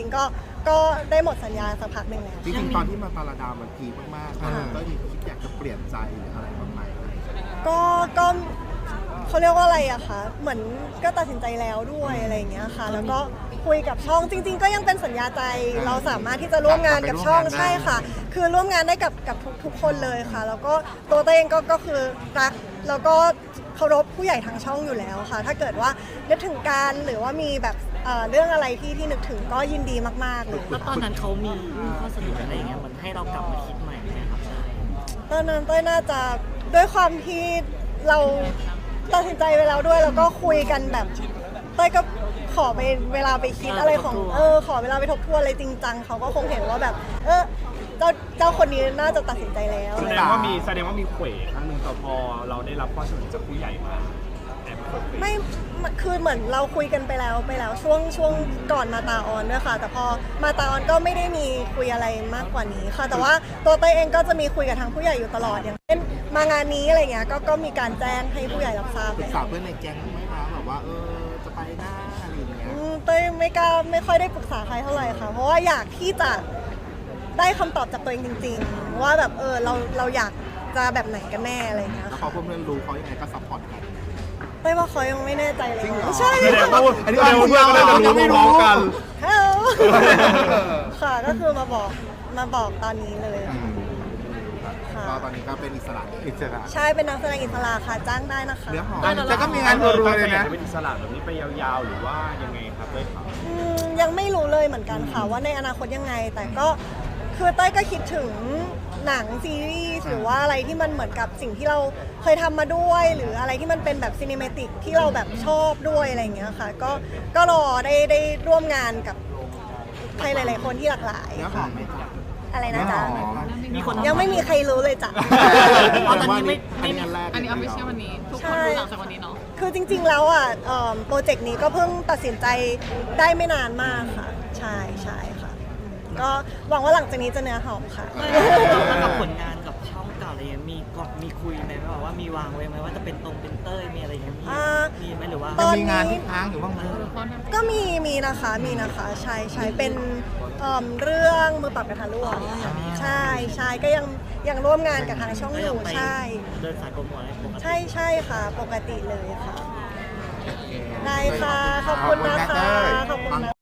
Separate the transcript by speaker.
Speaker 1: ก็ได้หมดสัญญาสักพักหนึ่งแล้ว
Speaker 2: จริงๆตอนที่มาตาลาดามันพีคมากๆก็มีคิดอยากจะเปลี่ยนใจหรืออะไรบ้างไหม
Speaker 1: ก็เขาเรียกว่าอะไรอะคะเหมือนก็ตัดสินใจแล้วด้วยอะไรอย่างเงี้ยค่ะแล้วก็คุยกับช่องจริงๆก็ยังเป็นสัญญาใจเราสามารถที่จะร่วมงานกับช่องใช่ค่ะคือร่วมงานได้กับทุกคนเลยค่ะแล้วก็ตัวเองก็คือรักแล้วก็เคารพผู้ใหญ่ทางช่องอยู่แล้วค่ะถ้าเกิดว่านึกถึงการหรือว่ามีแบบเรื่องอะไรที่นึกถึงก็ยินดีมากๆเลย
Speaker 3: แล้วตอนนั้นเขามีข้อเสนออะไรอย่างเงี้ยมันให้เรากลับมาคิดใหม่ไหมครับ
Speaker 1: ตอนนั้นเต้ยน่าจะด้วยความที่เราตัดสินใจไปแล้วด้วยแล้วก็คุยกันแบบเต้ยก็ขอไปเวลาไปคิดอะไรของขอเวลาไปทบทวนอะไรจริงจังเขาก็คงเห็นว่าแบบเจ้าคนนี้น่าจะตัดสินใจแล้ว
Speaker 4: แสดงว่ามีเขวครั้งหนึ่งแต่พอเราได้รับข้อเสนอจากผู้ใหญ่มาแอบเขว
Speaker 1: ไม่คือเหมือนเราคุยกันไปแล้วช่วงก่อนมาตาออนด้วยค่ะแต่พอมาตาออนก็ไม่ได้มีคุยอะไรมากกว่านี้ค่ะแต่ว่าตัวเต้ยเองก็จะมีคุยกับทางผู้ใหญ่อยู่ตลอดอย่างเช่นมางานนี้อะไรเงี้ยก็มีการแจ้งให้ผู้ใหญ่รับทราบ
Speaker 2: ปรึกษาเพื่อนในแก๊งไหมคะแบบว่าจะไปหน้าอะไรอย่างเงี้ย
Speaker 1: เต้ยไม่ค่อยได้ปรึกษาใครเท่าไหร่ค่ะเพราะว่าอยากที่จะได้คำตอบจากตัวเองจริงๆว่าแบบเราอยากจะแบบไหนกันแน่อะไรเงี้ย
Speaker 2: แล้วพ
Speaker 1: ค่ะ
Speaker 2: อเพื่อนๆรู้เขายังไงก็ซัพพอร์ตกัน
Speaker 1: เต้ยว่าเขายังไม่แน่ใจเลย
Speaker 2: จริงเหรอ
Speaker 1: ใช่
Speaker 4: แสดงว่า
Speaker 2: อันนี้เพื่อนก็ได้รู้พร้อมกัน
Speaker 1: ฮัลโหลค่ะก็คือมาบอกตอนนี้เลยค่ะ
Speaker 2: ก็ตอนนี้ก็เป็นอิสระ
Speaker 1: ใช่เป็นนักแสดงอิสระค่ะจ้างได้นะคะ
Speaker 2: เนื้อหอมแต่ก็มีงานรัวๆเลยนะ
Speaker 4: จะเป็นอิสระแบบนี้ไปยาวๆหรือว่ายังไงครับด้วยครับ
Speaker 1: ยังไม่รู้เลยเหมือนกันค่ะว่าในอนาคตยังไงแต่ก็คือเต้ยก็คิดถึงหนังซีรีส์หรือว่าอะไรที่มันเหมือนกับสิ่งที่เราเคยทำมาด้วย หรืออะไรที่มันเป็นแบบซีนิเมติกที่เราแบบชอบด้วยอะไรอย่างเงี้ยค่ะก็รอได้ร่วมงานกับใครหลายๆคนที่หลากหลาย
Speaker 2: เนื้อหอมไหมจ๊ะ
Speaker 1: อะไรนะจ๊ะ
Speaker 2: เนื้อหอม
Speaker 3: มีคน
Speaker 1: ยังไม่มีใครรู้เลยจ้ะ
Speaker 3: ตอนนี้ไม่
Speaker 2: อันแรก
Speaker 5: อันนี้เอาไม่ใช่วันนี้ ทุกคนรู้หลังจากวันนี้เนาะ
Speaker 1: คือจริงๆแล้วอ่ะโปรเจกต์นี้ก็เพิ่งตัดสินใจได้ไม่นานมากค่ะ ใช่ค่ะก็หวังว่าหลังจากนี้จะเนื้อหอมค่ะ
Speaker 3: แล้วกับผลงานกับช่องเก่าอะไรเงี้ยมีคุยไหมแบบว่ามีวางไว้ไหมว่าจะเป็นเป็นเต้ยมีอะไรเงี้ยมีไหมหรือว่า
Speaker 1: ตอนนี้
Speaker 2: มีงานที่ค้างอยู่บ้างไหม
Speaker 1: ก็มีนะคะใช่เป็นเรื่องมือปรับกระทะร่วงใช่ก็ยังร่วมงานกับทางช่องอยู่ใช่
Speaker 3: เดินสายโปรโมทอะไรปกติ
Speaker 1: ใช่ค่ะปกติเลยค่ะ ได้ค่ะ ขอบคุณนะคะขอบคุณนะ